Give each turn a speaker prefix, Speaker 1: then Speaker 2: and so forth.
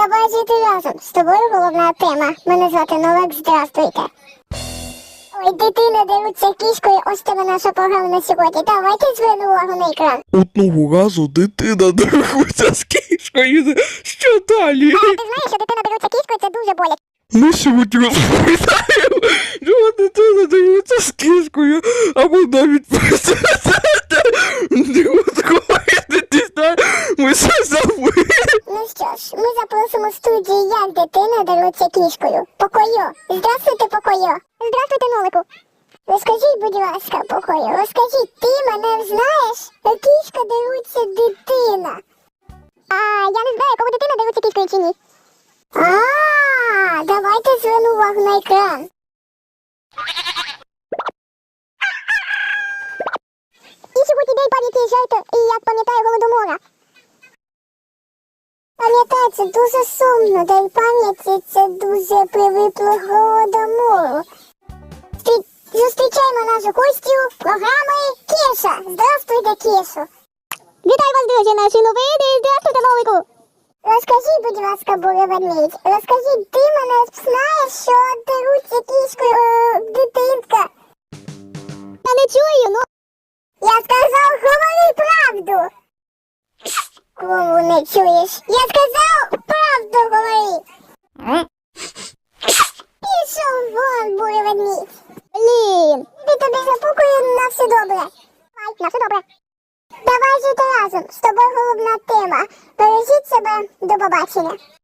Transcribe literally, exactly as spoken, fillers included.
Speaker 1: Давай жити разом. З тобою головна тема. Мене звати Новак, здравствуйте. Ой, дитина деруться кішкою, ось тебе наша програма на сьогодні. Давайте звернемо увагу на екран.
Speaker 2: Одного разу дитина деруть з кішкою. Що далі?
Speaker 1: А ти знаєш, що дитина деруться кішкою, це дуже боляче.
Speaker 2: Ми сьогодні розповідаємо, що дитина деруться з кішкою, або навіть президента. Не знаю, ми все забули.
Speaker 1: Ну що ж, ми запросимо в студії, як дитина деруться кішкою. Покойо. Здравствуйте, Покойо. Здравствуйте, Нолику. Розкажіть, будь ласка, Покойо, розкажіть, ти мене знаєш? Кішка деруться дитина. А я не знаю, кому дитина деруться кішкою чи ні. А, давайте зверну увагу на екран. І сьогодні день пам'яті жертв, і як пам'ятаю Голодомора. Пам'ятаю, це дуже сумно, день пам'яті, це дуже привипло Голодомору. Стрі... Зустрічаємо нашу гостю програми Кеша. Здравствуйте, Кешу.
Speaker 3: Вітаю вас, друзі, наші новини. Здравствуйте, Новику.
Speaker 1: Розкажіть, будь ласка, Буря Ведмідь, розкажіть, ти мене знаєш, що деруться кішкою е, дитинка?
Speaker 3: Я не чую, ну.
Speaker 1: Я сказав, говори правду. Кому не чуєш? Я сказав, правду говори. Пішов вон, Буря Ведмідь.
Speaker 3: Блін.
Speaker 1: Ти тобі запукаю на все добре.
Speaker 3: Ай, на все добре.
Speaker 1: Давай жити разом, з тобою головна тема. Бережіть себе, до побачення.